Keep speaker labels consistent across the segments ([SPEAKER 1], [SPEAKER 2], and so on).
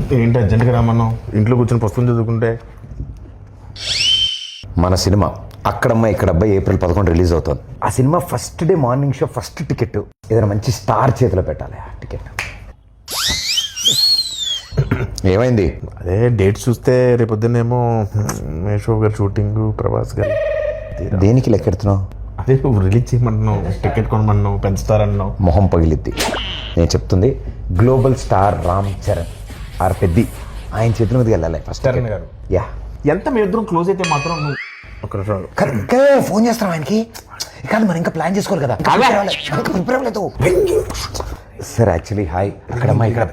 [SPEAKER 1] ఏంటి అర్జెంట్గా రామన్నాం? ఇంట్లో కూర్చొని పుస్తకం చదువుకుంటే.
[SPEAKER 2] మన సినిమా అక్కడమ్మ ఇక్కడ అబ్బాయి April 11 రిలీజ్ అవుతుంది. ఆ cinema first day morning show first ticket ఏదైనా మంచి స్టార్ చేతిలో పెట్టాలి. ఆ టికెట్ ఏమైంది?
[SPEAKER 1] అదే డేట్ చూస్తే రేపొద్దునేమో మేషో గారు షూటింగ్, ప్రభాస్ గారు.
[SPEAKER 2] దేనికి లెక్కెడుతున్నావు?
[SPEAKER 1] అదే నువ్వు రిలీజ్ చేయమంటున్నావు, టికెట్ కొనమన్నావు, పెంచుతారన్నావు.
[SPEAKER 2] మొహం పగిలిద్ది. నేను చెప్తుంది global star Ram Charan R Peddi ఆయన చేతుల మీదకి వెళ్ళాలి ఫస్ట్.
[SPEAKER 1] చరణ్ గారు
[SPEAKER 2] యా
[SPEAKER 1] ఎంత మీ ఇద్దరం క్లోజ్ అయితే మాత్రం నువ్వు ఒక
[SPEAKER 2] ఫోన్ చేస్తాం ఆయనకి. కాదు మనం ఇంకా ప్లాన్ చేసుకోవాలి కదా. సార్ యాక్చువల్లీ హాయ్ అక్కడమ్మా ఇక్కడ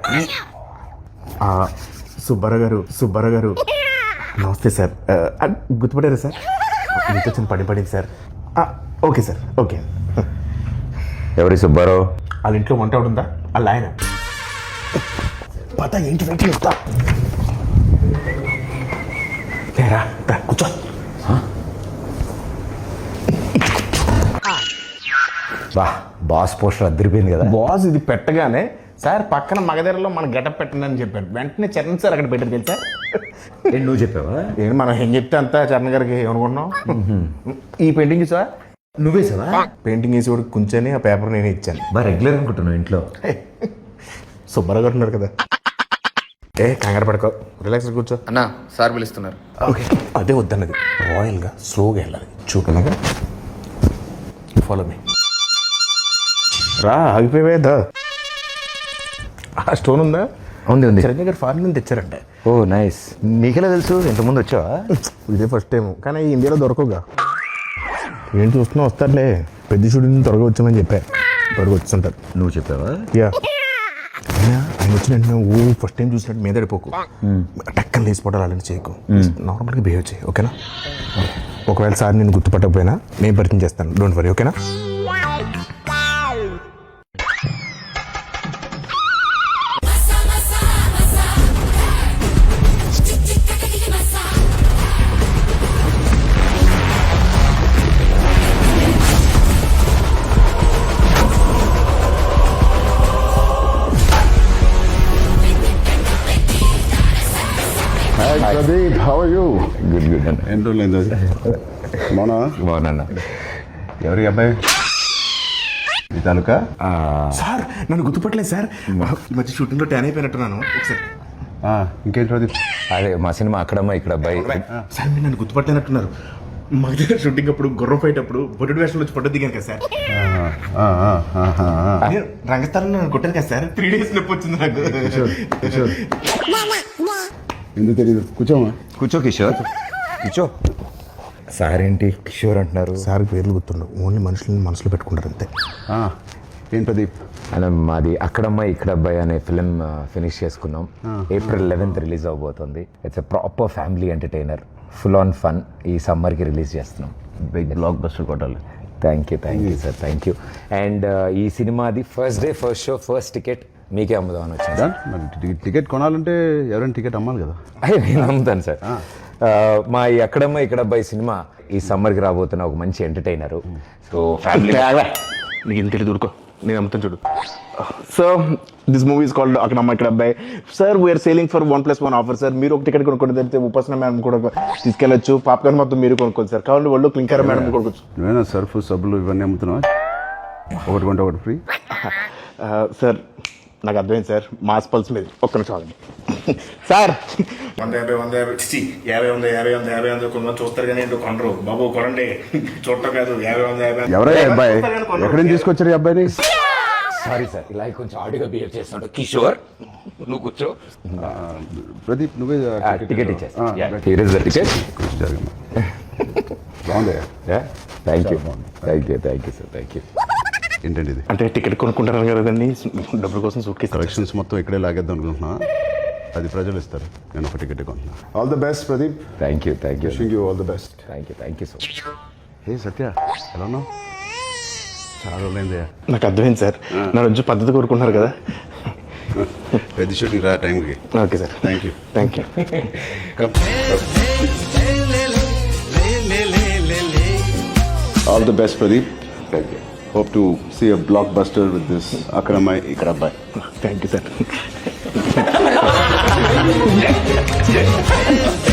[SPEAKER 1] సుబ్బారావు గారు నమస్తే సార్. గుర్తుపడారా సార్? మీతో చిన్న పడింది సార్. Okay sir, okay.
[SPEAKER 2] ఎవరి సుబ్బారావు?
[SPEAKER 1] వాళ్ళ ఇంట్లో వంట ఉందా? వాళ్ళ ఆయన పత ఏంటి వెంట చెప్తా. లేరా కూర్చో.
[SPEAKER 2] బాస్ పోస్టర్ అద్దరిపోయింది కదా.
[SPEAKER 1] బాస్ ఇది పెట్టగానే సార్ పక్కన మగధరలో మన గెటప్ పెట్టండి అని చెప్పాడు. వెంటనే చరణ్ సార్ అక్కడ పెట్టారు తెలుసా.
[SPEAKER 2] నువ్వు చెప్పావా?
[SPEAKER 1] ఏంటి మనం ఏం చెప్తే అంతా చరణ్ గారికి ఏమనుకుంటున్నాం. ఈ పెయింటింగ్ చూసా?
[SPEAKER 2] నువ్వేసావా?
[SPEAKER 1] పెయింటింగ్ వేసి కూడా కూర్చొని ఆ పేపర్ నేనే ఇచ్చాను.
[SPEAKER 2] రెగ్యులర్ అనుకుంటున్నావు ఇంట్లో.
[SPEAKER 1] సుబ్బారావు గారు ఉన్నారు కదా. కంగారు పడుకో, రిలాక్స్ కూర్చో.
[SPEAKER 3] అన్నా సార్ పిలుస్తున్నారు.
[SPEAKER 1] ఓకే అదే వద్దన్నది. రాయల్గా స్లోగా వెళ్ళాలి. చూడగా ఫాలో మీ. రా ఆగిపోయేదా? ఆ స్టోన్ ఉందా?
[SPEAKER 2] ఉంది ఉంది.
[SPEAKER 1] చిరంజీవి గారు ఫారెన్ నుంచి తెచ్చారంటే.
[SPEAKER 2] ఓ నైస్. నీకెలా తెలుసు? ఇంతకుముందు వచ్చావా?
[SPEAKER 1] ఇదే ఫస్ట్ టైం, కానీ ఇండియాలో దొరకవుగా. ఏం చూస్తున్నా వస్తారులే. పెద్ద షూటింగ్ త్వరగా వచ్చామని చెప్పా. త్వరగా వచ్చుంటారు.
[SPEAKER 2] నువ్వు చెప్పావా?
[SPEAKER 1] యా. ఆయన వచ్చిన వెంటనే ఫస్ట్ టైం చూసినట్టు మీద పడిపోకు. టక్కన లేచిపోవడాలు అలాంటి చేయకు. నార్మల్గా బిహేవ్ చేయి, ఓకేనా? ఒకవేళ సార్ నేను గుర్తుపట్టకపోయినా నేను పరిచయం చేస్తాను. డోంట్ వరీ, ఓకేనా?
[SPEAKER 4] Pradeep, how are you?
[SPEAKER 2] Good good అన్న.
[SPEAKER 4] ఏంటో లేదు
[SPEAKER 2] బాగున్నా.
[SPEAKER 4] ఎవరి అబ్బాయి? ఈ తాలూకా?
[SPEAKER 1] సార్ నన్ను గుర్తుపట్టలేదు సార్. ఈ మధ్య షూటింగ్లో ట్యాన్ అయిపోయినట్టున్నాను. ఒకసారి
[SPEAKER 4] ఇంకేం ప్రదీప్?
[SPEAKER 2] అదే మా సినిమా అక్కడమ్మా ఇక్కడ అబ్బాయి.
[SPEAKER 1] సార్ మీరు నన్ను గుర్తుపట్టినట్టున్నారు. మా దగ్గర షూటింగ్ అప్పుడు గుర్రం ఫైట్ అప్పుడు బొడ్డు వేషంలో వచ్చి పట్టు దిగాను కదా సార్. రంగస్థానంలో నన్ను కొట్టాను కదా సార్. 3 days నొప్పి వచ్చింది నాకు.
[SPEAKER 4] ఎందుకు తెలియదు. కూర్చోమా.
[SPEAKER 2] కూర్చో కిషోర్, కూర్చో. సార్ ఏంటి కిషోర్ అంటున్నారు?
[SPEAKER 1] సార్ పేర్లు గుర్తుండవు, ఓన్లీ మనుషులని మనసులో పెట్టుకుంటారు అంతే.
[SPEAKER 4] ఏం ప్రదీప్?
[SPEAKER 2] అలా మాది అక్కడమ్మ ఇక్కడ అబ్బాయి అనే ఫిలిం ఫినిష్ చేసుకున్నాం. April 11 రిలీజ్ అవబోతుంది. It's a proper family entertainer, full on fun. ఈ సమ్మర్కి రిలీజ్ చేస్తున్నాం.
[SPEAKER 4] బిగ్ బ్లాక్ బస్టర్ కొట్టాలి.
[SPEAKER 2] Thank you sir, thank you. And ఈ సినిమాది first day first show first ticket మీకే అమ్ముదామని వచ్చింది.
[SPEAKER 4] మరి టికెట్ కొనాలంటే ఎవరైనా టికెట్ అమ్మాలి కదా.
[SPEAKER 2] నేను అమ్ముతాను సార్. మా ఈ అక్కడమ్మ ఇక్కడ అబ్బాయి సినిమా ఈ సమ్మర్కి రాబోతున్న ఒక మంచి ఎంటర్టైనర్. సో ఫ్యామిలీ
[SPEAKER 1] నీకు ఇంత తెలియదు, ఊరుకో. నేను అమ్ముతాను చూడు. So this movie is called అక్కడమ్మ ఇక్కడ అబ్బాయి. Sir we are selling for 1+1 offer sir. మీరు ఒక టికెట్ కొనుక్కుంటే తెలిస్తే ఉపాసన మేడం కూడా తీసుకెళ్ళచ్చు. పాప్కార్న్ మొత్తం మీరు కొనుక్కోండి సార్. కావాలి వాళ్ళు క్లింకర్ మేడం కొనుక్కోవచ్చు.
[SPEAKER 4] నువ్వేనా సర్ఫ్ సబ్బులు ఇవన్నీ అమ్ముతున్నావా? ఒకటి కొంటే ఒకటి ఫ్రీ.
[SPEAKER 1] సార్ నాకు అర్థమైంది సార్. మాస్ పల్స్ మీద ఒక్క నిమిషం ఆగండి సార్. 150 కొంతమంది చూస్తారు కానీ ఏంటో కొనరు. బాబు కొనండి, చూడటం కాదు. 50
[SPEAKER 4] ఎవరయ్యా అబ్బాయి? ఎక్కడి నుంచి తీసుకొచ్చారు ఈ అబ్బాయిని?
[SPEAKER 2] సారీ సార్, ఇలా కొంచెం ఆడిగా బిహేవ్ చేస్తున్నాడు. కిషోర్ నువ్వు కూర్చో.
[SPEAKER 4] ప్రదీప్ నువ్వే
[SPEAKER 2] టికెట్ ఇచ్చేస్తా. Here is the ticket.
[SPEAKER 4] బాగుంది.
[SPEAKER 2] Thank you sir, thank you.
[SPEAKER 4] ఏంటండి ఇది?
[SPEAKER 1] అంటే టికెట్ కొనుక్కుంటారు కదండి, డబ్బుల కోసం సూట్ కేసు
[SPEAKER 4] కలెక్షన్స్ మొత్తం ఇక్కడే లాగేద్దాం అనుకుంటున్నా. అది ప్రజలు ఇస్తారు. నేను ఒక టికెట్ కొంటున్నా. All the best Pradeep.
[SPEAKER 2] Thank you
[SPEAKER 4] wishing you all the best.
[SPEAKER 2] Thank you so much.
[SPEAKER 4] Hey Satya, ఎలా ఉన్నావు? చాలా రోజులైందయ్యా.
[SPEAKER 1] నాకు అర్థమైంది సార్. నా నుంచి పద్ధతి కోరుకుంటున్నారు కదా.
[SPEAKER 4] పెద్ద షూటింగ్ రా టైంకి.
[SPEAKER 1] Okay sir,
[SPEAKER 4] thank you. All the best Pradeep. Thank you. Hope to see a blockbuster with this Akramai Ikrabbai.
[SPEAKER 1] Thank you, sir. రా